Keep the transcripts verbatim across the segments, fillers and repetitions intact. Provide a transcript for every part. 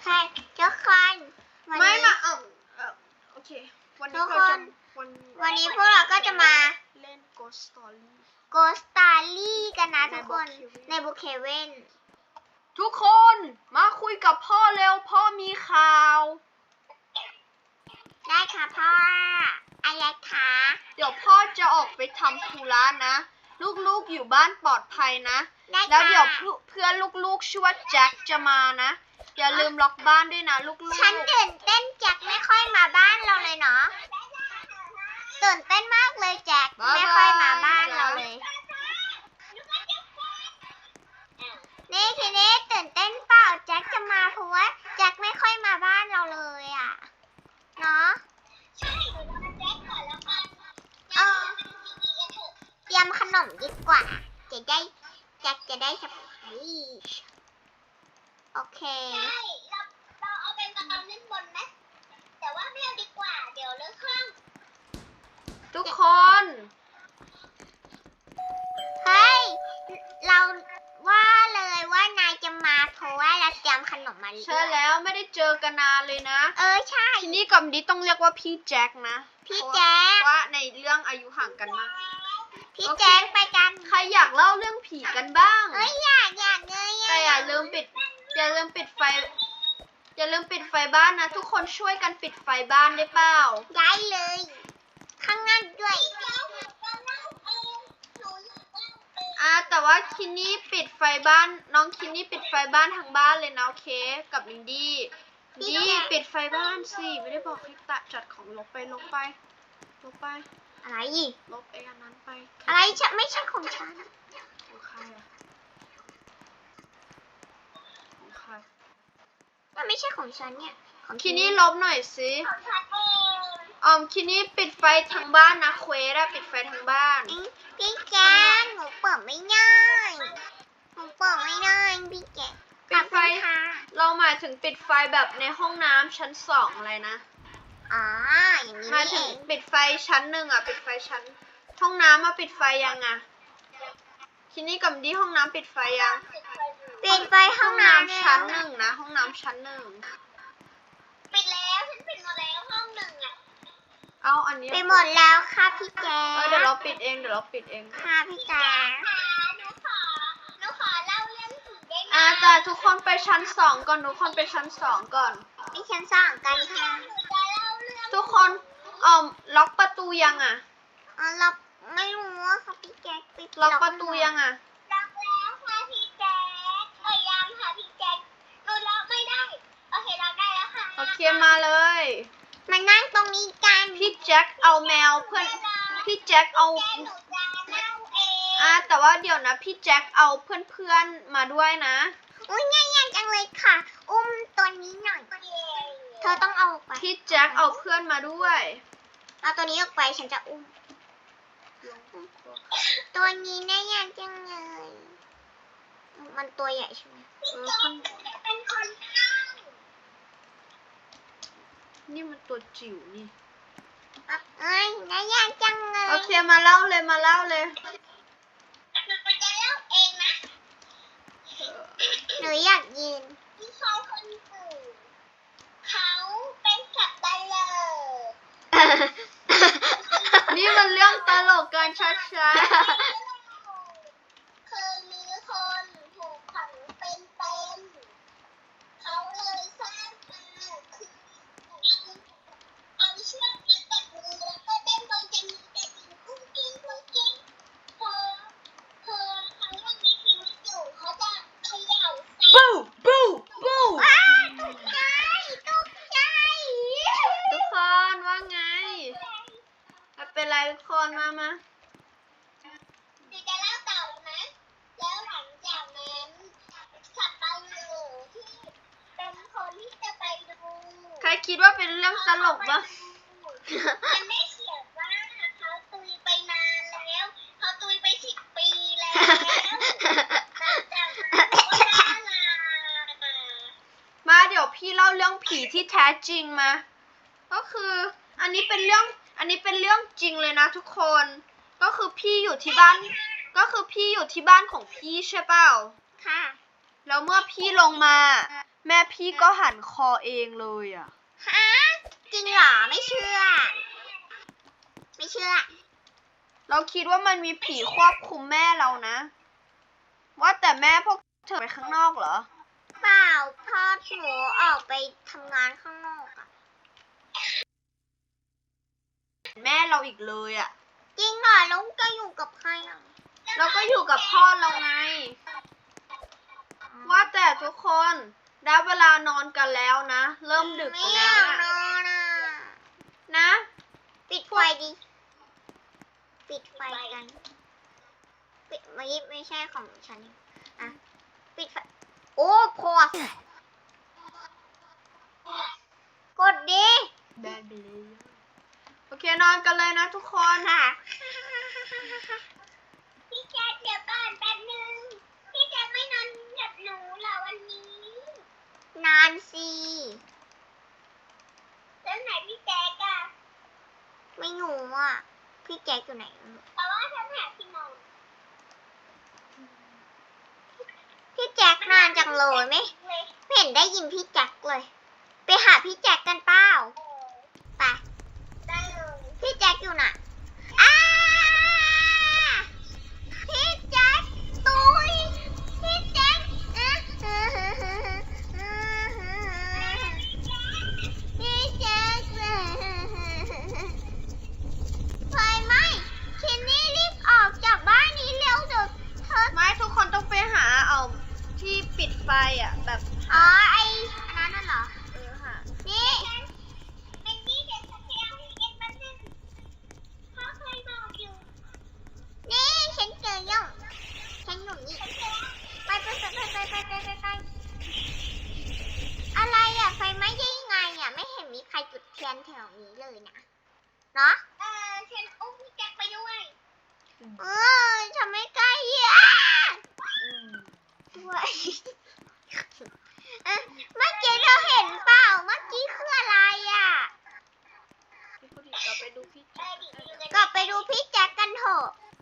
ค่ะทุกคนไม่มาเออเออโอเควันนี้เราจะวันวันนี้พวกเราก็จะมาเล่น Ghost Story Ghost Story กันนะทุกคนในบุคเคเว่นทุกคนมาคุยกับพ่อเร็วพ่อมีข่าวได้ค่ะพ่ออะไรคะเดี๋ยวพ่อจะออกไปทำธุระนะลูกๆอยู่บ้านปลอดภัยนะแล้วเดี๋ยวเพื่อนลูกๆชื่อว่าแจ็คจะมานะอย่าลืมล็อกบ้านด้วยนะลูกๆฉันตื่นเต้นแจ็คไม่ค่อยมาบ้านเราเลยเนาะตื่นเต้นมากเลยแจ็คไม่ค่อยมาบ้านเราเลยนี่ทีนี้ตื่นเต้นเปล่าแจ็คจะมาเพราะว่าแจ็คไม่ค่อยมาบ้านเราเลยอ่ะเนาะใช่เดี๋ยวเราแจ็คก่อนแล้วกันเออเตรียมขนมดีกว่าจะได้แจ็คจะได้สบายโอเคใช่เราเราเอาเป็นกระเป๋าเล่นบนไหมแต่ว่าไม่เอาดีกว่าเดี๋ยวเลิกข้างทุกคนเฮ้ยเราว่าเลยว่านายจะมาเพราะว่าเราเตรียมขนมมาใช่แล้วไม่ได้เจอกันนานเลยนะเออใช่ทีนี้กับดิต้องเรียกว่าพี่แจ็คนะพี่แจ็คว่าในเรื่องอายุห่างกันมากพี่แจ็คไปกันใครอยากเล่าเรื่องผีกันบ้างเอ้ยอยากอยากเลยแต่อย่าลืมปิดอย่าลืมปิดไฟอย่าลืมปิดไฟบ้านนะทุกคนช่วยกันปิดไฟบ้านได้เปล่าได้เลยข้างหน้าด้วยอ่าแต่ว่าคินนี่ปิดไฟบ้านน้องคินนี่ปิดไฟบ้านทางบ้านเลยนะโอเคกับลินดี้ดี้ปิดไฟบ้านสิไม่ได้บอกให้ตะจัดของลบไปลบไปลบไปอะไรอีกลบไอ้อันนั้นไปอะไรฉันไม่ใช่ของฉันของใครอะของใครมันไม่ใช่ของฉันเนี่ยคินนี่ลบหน่อยสิอ๋อคินนี่ปิดไฟทางบ้านนะเควสอะปิดไฟทางบ้านพี่แจ๊คหนูเปิดไม่ได้หนูเปิดไม่ได้พี่แจ๊คปิดไฟเราหมายถึงปิดไฟแบบในห้องน้ำชั้นสองอะไรนะอ๋ออย่างนี้หมายถึงปิดไฟชั้นหนึ่งอะปิดไฟชั้นห้องน้ำมาปิดไฟยังอะคินนี่กับดีห้องน้ำปิดไฟยังปิดไฟห้องน้ำชั้นหนึ่งนะห้องน้ำชั้นหนึ่งปิดแล้วฉันปิดหมดแล้วห้องหนึ่งอะเอาอันนี้ปิดหมดแล้วค่ะพี่แจ๊คเดี๋ยวเราปิดเองเดี๋ยวเราปิดเองค่ะพี่แจ๊คหนูขอหนูขอเล่าเรื่องผีได้ไหมอ่าแต่ทุกคนไปชั้นสองก่อนทุกคนไปชั้นสองก่อนไปชั้นสองกันค่ะทุกคนเอ่อล็อกประตูยังอ่ะอ๋อล็อกไม่รู้ค่ะพี่แจ๊คปิดล็อกประตูยังอ่ะล็อกแล้วค่ะพี่แจ๊คเอ้ยยังค่ะพี่แจ๊คหนูล็อกไม่ได้โอเคล็อกได้แล้วค่ะโอเคมาเลยมานั่งตรงนี้กันพี่แจ็คเอาแมวเพื่อนพี่แจ็คเอาอ่าแต่ว่าเดี๋ยวนะพี่แจ็คเอาเพื่อนๆมาด้วยนะอุ้ยง่ายๆจังเลยค่ะอุ้มตัวนี้หน่อยเธอต้องเอาไปพี่แจ็คเอาเพื่อนมาด้วยเอาตัวนี้ออกไปฉันจะอุ้มตัวนี้น่ายากจังเลยมันตัวใหญ่ใช่ไหมเออข้างนี่มันตัวจิ๋วนี่เอ้ยน่ายากจังเลยโอเคมาเล่าเลยมาเล่าเลยหนูจะเล่าเองนะหนูอยากยืนพี่ชายคนอื่นเขาเป็นสัตว์ตลกนี่มันเรื่องตลกกันชัดๆเคยมีคนถูกขังเป็นเป็นเขาเลยสร้างมาคือเอาเชือกมาตัดมือแล้วก็เต้นบนจะมีแต่สิ่งกุ้งกิ้งกุ้งกิ้งพอพอเขายังมีชีวิตอยู่เขาจะเขย่าปูปูปูว้าตกใจตกใจทุกคนว่าไงเป็นไรทุกคนมามาเดี๋ยวจะเล่าต่อนะแล้วหลังจากนั้นสับปะเลอที่เป็นคนที่จะไปดูใครคิดว่าเป็นเรื่องตลกบ้างมันไม่เขียนว่าเขาตุยไปนานแล้วเขาตุยไปสิบปีแล้วมาเดี๋ยวพี่เล่าเรื่องผีที่แท้จริงมาก็คืออันนี้เป็นเรื่องอันนี้เป็นเรื่องจริงเลยนะทุกคนก็คือพี่อยู่ที่บ้านก็คือพี่อยู่ที่บ้านของพี่ใช่เปล่าค่ะแล้วเมื่อพี่ลงมาแม่พี่ก็หันคอเองเลยอ่ะฮะจริงเหรอไม่เชื่อ ไม่เชื่อเราคิดว่ามันมีผีควบคุมแม่เรานะ ว่าแต่แม่พวกเธอไปข้างนอกเหรอเปล่าพ่อหนูออกไปทำงานข้างนอกอะแม่เราอีกเลยอ่ะจริงเหรอแล้วจะอยู่กับใครอ่ะเราก็อยู่กับพ่อเราไง ว่าแต่ทุกคนได้เวลานอนกันแล้วนะ เริ่มดึกไม่แล้วอยากนนะอนอ่ะนะปิดไฟดิ ปิดไฟกัน ปิดไม่ไม่ใช่ของฉันอ่ะปิดไฟ โอ้พอสกดดิแบนไปเลยโอเคนอนกันเลยนะทุกคนค่ะ พี่แจ๊คเดี๋ยวก่อนแป๊บนึง พี่แจ๊คไม่นอนกับหนูเหรอวันนี้ นานสิแล้วไหนพี่แจ๊คอะไม่หนูอ่ะ พี่แจ๊คอยู่ไหนแต่ว่าฉันหาที่นอน พี่แจ็คนานจังเลยไหมไม่เห็นได้ยินพี่แจ็คเลย ไปหาพี่แจ็คกันเปล่าไปได้เลยพี่แจ็คอยู่น่ะอ้าพี่แจ็คตุยพี่แจ็คอ่ะพี่แจ็คไฟไหม้คินนี่รีบออกจากบ้านนี้เร็วเดี๋ยวเธอไม่ทุกคนต้องไปหาเอาที่ปิดไฟอ่ะ แบบอ๋อไออันนั้นน่ะเหรอเออค่ะนี่เป็นนี่เดี๋ยวฉันไปเอาให้เอ็นมาหนึ่งพ่อเคยบอกอยู่นี่ฉันเจอยังฉันอยู่นี่ไปไปไปไปไปไปไปไปไปอะไรอ่ะไฟไหม้ได้ยังไงอ่ะไม่เห็นมีใครจุดเทียนแถวนี้เลยนะเนาะเออฉันอุ้มพี่แจ็คไปด้วยเออฉันไม่กล้าเหยียบด้วยเมื่อกี้เราเห็นเปล่าเมื่อกี้คืออะไรอ่ะพี่ผู้ดีกลับไปดูพี่แจ๊คกลับไปดูพี่แจ็คกันเถอะ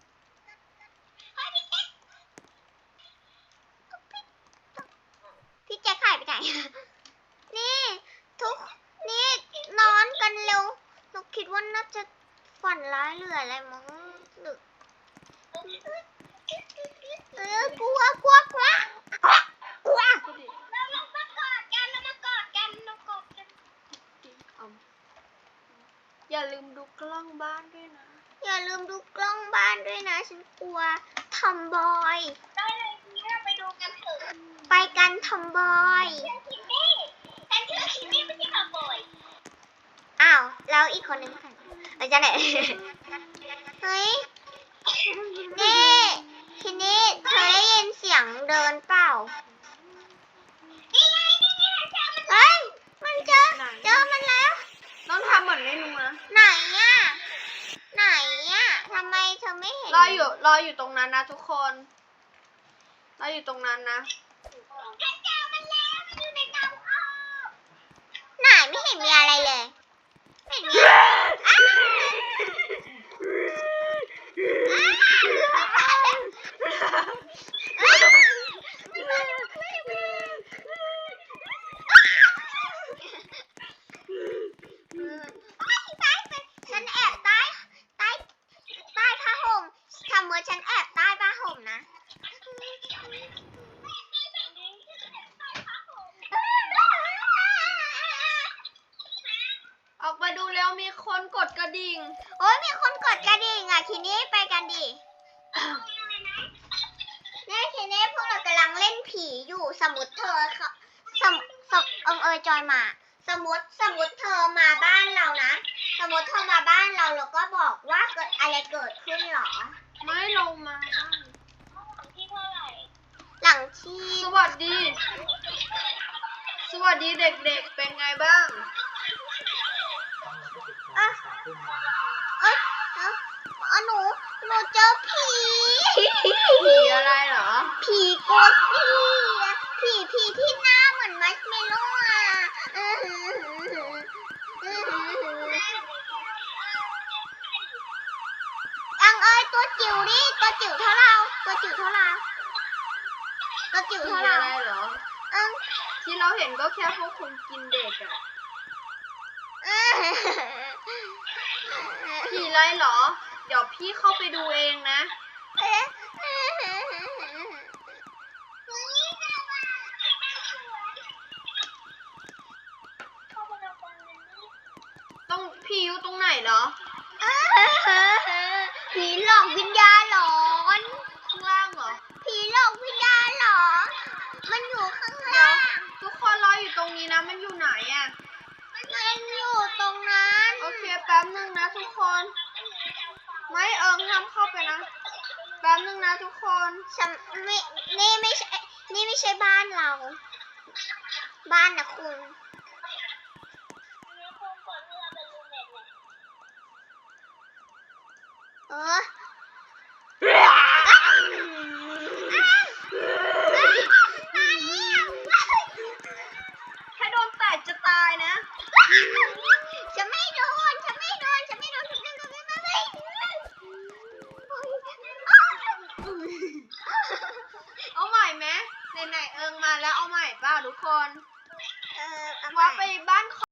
พี่แจ็คหายไปไหน นี่ทุกนี่นอนกันเร็วหนูคิดว่าน่าจะฝันร้ายหรืออะไรมั้งหรือเออกลัวกลัวกลัวกลัวผู้ดีเรามากอดกันเรามากอดกันเรากอดกันเอาอย่าลืมดูกล้องบ้านด้วยนะอย่าลืมดูกล้องบ้านด้วยนะฉันกลัวทอมบอยได้เลยนี้เราไปดูกันเถอะไปกันทอมบอยคินนี่ฉันชื่อคินนี่ไม่ใช่ทอมบอยอ้าวแล้วอีกคนนึงค่ะไปจะไหนเฮ้ยนี่คินนี่เธอได้ยินเสียงเดินเปล่านี่ไงนี่ไงเฮ้ยมันเจอเจอมันแล้วต้องทำเหมือนไม่รู้นะไหนอ่ะไหนอ่ะทำไมเธอไม่เห็นรออยู่รออยู่ตรงนั้นนะทุกคนรออยู่ตรงนั้นนะฉันเจอมันแล้วมันอยู่ในเตาอบไหนไม่เห็นมีอะไรเลยไม่เห็นมีอะไรอ้าวอ้าวฉันแอบใต้ใต้ใต้ผ้าห่มทำมือฉันแอบใต้ผ้าห่มนะออกมาดูแล้วมีคนกดกระดิ่งโอ้ยมีคนกดกระดิ่งอ่ะทีนี้ไปกันดิเนี่ยทีนี้พวกเรากำลังเล่นผีอยู่สมมติเธอเขาสมสมเอิงเอยจอยมา สมมติสมมติเธอมาบ้านเรานะสมมติเธอมาบ้านเราเราก็บอกว่าเกิดอะไรเกิดขึ้นหรอไม่ลงมาที่เท่าไหร่หลังที่สวัสดี สวัสดีเด็กๆ เป็นไงบ้างอ่ะเอ้ยเอ้าอ่ะหนูหนูเจอผีผีอะไรเหรอผีโกสตี้อะผีผีที่หน้าเหมือนมัชเมลโล่อะอื้อหือหืออื้อหือหืออังเอ้ยตัวจิ๋วดิตัวจิ๋วเท่าเราตัวจิ๋วเท่าเราตัวจิ๋วผีเท่าเราอะไรเหรออังที่เราเห็นก็แค่พวกคนกินเด็กอะผีไรเหรอ เดี๋ยวพี่เข้าไปดูเองนะ ต้องพี่อยู่ตรงไหนเหรอผีหลอกวิญญาณหลอนข้างล่างเหรอผีหลอกวิญญาณหลอน มันอยู่ข้างเดี๋ยล่าว งทุกคนรออยู่ตรงนี้นะ มันอยู่ไหนอะมันอยู่ตรงนั้นโอเคแป๊บนึงนะทุกคน ไม่เอิงห้ามเข้าไปนะ แป๊บนึงนะทุกคนฉันไม่นี่ไม่ใช่ นี่ไม่ใช่บ้านเรา บ้านนะคุณ เออถ้าโดนแตกจะตายนะฉันไม่โดน ฉันไม่โดน ฉันไม่โดน ฉันไม่โดน ฉันไม่โดนเอาใหม่ไหมไหนๆเอิงมาแล้วเอาใหม่เปล่าทุกคนเออเอาใหม่ว่าไปบ้าน